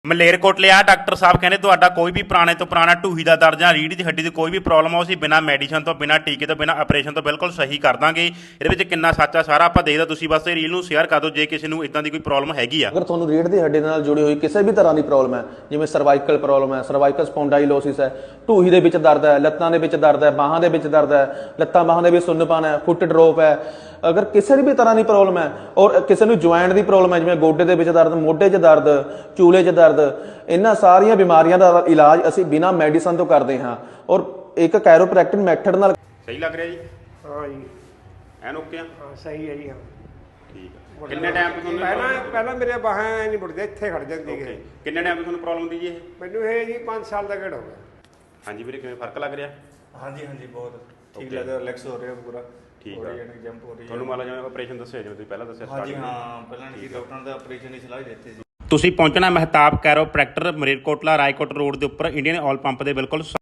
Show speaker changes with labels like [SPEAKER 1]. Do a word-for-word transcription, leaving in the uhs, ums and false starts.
[SPEAKER 1] ਮਲੇਰਕੋਟਲੇ ਆ ਡਾਕਟਰ ਸਾਹਿਬ ਕਹਿੰਦੇ ਤੁਹਾਡਾ ਕੋਈ ਵੀ ਪੁਰਾਣੇ ਤੋਂ ਪੁਰਾਣਾ ਢੂਹੀ ਦਾ ਦਰਦ ਜਾਂ ਰੀੜ੍ਹ ਦੀ ਹੱਡੀ ਦੀ ਕੋਈ ਵੀ ਪ੍ਰੋਬਲਮ ਆ ਉਹ ਅਸੀਂ ਬਿਨਾਂ ਮੈਡੀਸਨ ਤੋਂ ਬਿਨਾਂ ਟੀਕੇ ਤੋਂ ਬਿਨਾਂ ਆਪਰੇਸ਼ਨ ਤੋਂ ਬਿਲਕੁਲ ਸਹੀ ਕਰ ਦਾਂਗੇ। ਇਹਦੇ ਵਿੱਚ ਕਿੰਨਾ ਸੱਚ ਆ ਸਾਰਾ ਆਪਾਂ ਦੇਖਦਾ, ਤੁਸੀਂ ਬਸ ਇਹ ਰੀਲ ਨੂੰ ਸ਼ੇਅਰ ਕਰ ਦਿਓ ਜੇ ਕਿਸੇ ਨੂੰ ਇਦਾਂ ਦੀ ਕੋਈ ਪ੍ਰੋਬਲਮ ਹੈਗੀ ਆ।
[SPEAKER 2] ਅਗਰ ਤੁਹਾਨੂੰ ਰੀੜ੍ਹ ਦੀ ਹੱਡੀ ਨਾਲ ਜੁੜੀ ਹੋਈ ਕਿਸੇ ਵੀ ਤਰ੍ਹਾਂ ਦੀ ਪ੍ਰੋਬਲਮ ਹੈ, ਜਿਵੇਂ ਸਰਵਾਈਕਲ ਪ੍ਰੋਬਲਮ ਹੈ, ਸਰਵਾਈਕਲ ਸਪੌਂਡਾਈਲੋਸਿਸ ਹੈ, ਢੂਹੀ ਦੇ ਵਿੱਚ ਦਰਦ ਹੈ, ਲੱਤਾਂ ਦੇ ਵਿੱਚ ਦਰਦ ਹੈ, ਬਾਹਾਂ ਦੇ ਵਿੱਚ ਦਰਦ ਹੈ, ਲੱਤਾਂ ਬਾਹਾਂ ਦੇ ਵਿੱਚ ਸੁੰਨਪਨ ਹੈ, ਫੁੱਟ ਡਰੋਪ ਹੈ, ਅਗਰ ਕਿਸੇ ਵੀ ਤਰ੍ਹਾਂ ਦੀ ਪ੍ਰੋਬਲਮ ਹੈ ਔਰ ਕਿਸੇ ਨੂੰ ਜੁਆਇੰਟ ਦੀ ਪ੍ਰੋਬਲਮ ਹੈ ਜਿਵੇਂ ਗੋਡੇ ਦੇ ਵਿੱਚ ਦਰਦ, ਮੋਢੇ 'ਚ ਦਰਦ, ਚੂਲੇ 'ਚ ਦਰਦ, ਇਹਨਾਂ ਸਾਰੀਆਂ ਬਿਮਾਰੀਆਂ ਦਾ ਇਲਾਜ ਅਸੀਂ ਬਿਨਾਂ ਮੈਡੀਸਨ ਤੋਂ ਕਰਦੇ ਹਾਂ ਔਰ ਇੱਕ ਕੈਰੋਪ੍ਰੈਕਟਿਕ ਮੈਥਡ ਨਾਲ।
[SPEAKER 1] ਸਹੀ ਲੱਗ ਰਿਹਾ ਜੀ?
[SPEAKER 3] ਹਾਂ ਜੀ,
[SPEAKER 1] ਐਨ ਓਕੇ ਆ?
[SPEAKER 3] ਹਾਂ ਸਹੀ ਹੈ ਜੀ। ਹਾਂ
[SPEAKER 1] ਠੀਕ ਆ। ਕਿੰਨੇ ਟਾਈਮ ਤੋਂ ਤੁਹਾਨੂੰ
[SPEAKER 3] ਪਹਿਲਾਂ ਪਹਿਲਾਂ ਮੇਰੇ ਬਾਹਾਂ ਨਹੀਂ ਮੁੜਦੇ, ਇੱਥੇ ਖੜ ਜਾਂਦੀ ਹੈ।
[SPEAKER 1] ਕਿੰਨੇ ਟਾਈਮ ਤੋਂ ਤੁਹਾਨੂੰ ਪ੍ਰੋਬਲਮ ਦੀ ਜੀ ਇਹ?
[SPEAKER 3] ਮੈਨੂੰ ਇਹ ਜੀ ਪੰਜ ਸਾਲ ਦਾ ਗੇੜ ਹੋ ਗਿਆ।
[SPEAKER 1] ਹਾਂਜੀ ਵੀਰੇ, ਕਿਵੇਂ ਫਰਕ ਲੱਗ ਰਿਹਾ?
[SPEAKER 4] ਹਾਂਜੀ ਹਾਂਜੀ ਬਹੁਤ ਠੀਕ ਲੱਗਦਾ, ਰਿਲੈਕਸ ਹੋ ਰਿਹਾ ਪੂਰਾ।
[SPEAKER 1] ਠੀਕ
[SPEAKER 4] ਹੋ
[SPEAKER 1] ਆ।
[SPEAKER 4] ਰਹੀ ਹੈ ਜੰਪ ਹੋ ਰਹੀ ਹੈ
[SPEAKER 1] ਤੁਹਾਨੂੰ ਮੰਨ ਲਓ ਜਿਵੇਂ ਆਪਰੇਸ਼ਨ ਦੱਸਿਆ ਜਿਵੇਂ ਤੁਸੀਂ ਪਹਿਲਾਂ ਦੱਸਿਆ
[SPEAKER 4] ਹਾਂਜੀ ਹਾਂ, ਪਹਿਲਾਂ ਨਹੀਂ ਡਾਕਟਰਾਂ ਦਾ ਆਪਰੇਸ਼ਨ ਦੀ ਸਲਾਹ ਹੀ ਦਿੱਤੀ ਸੀ।
[SPEAKER 1] ਤੁਸੀਂ ਪਹੁੰਚਣਾ ਮਹਿਤਾਬ ਕੈਰੋਪ੍ਰੈਕਟਰ ਮਲੇਰਕੋਟਲਾ ਰਾਏਕੋਟ ਰੋਡ ਦੇ ਉੱਪਰ ਇੰਡੀਅਨ ਆਇਲ ਪੰਪ ਦੇ ਬਿਲਕੁਲ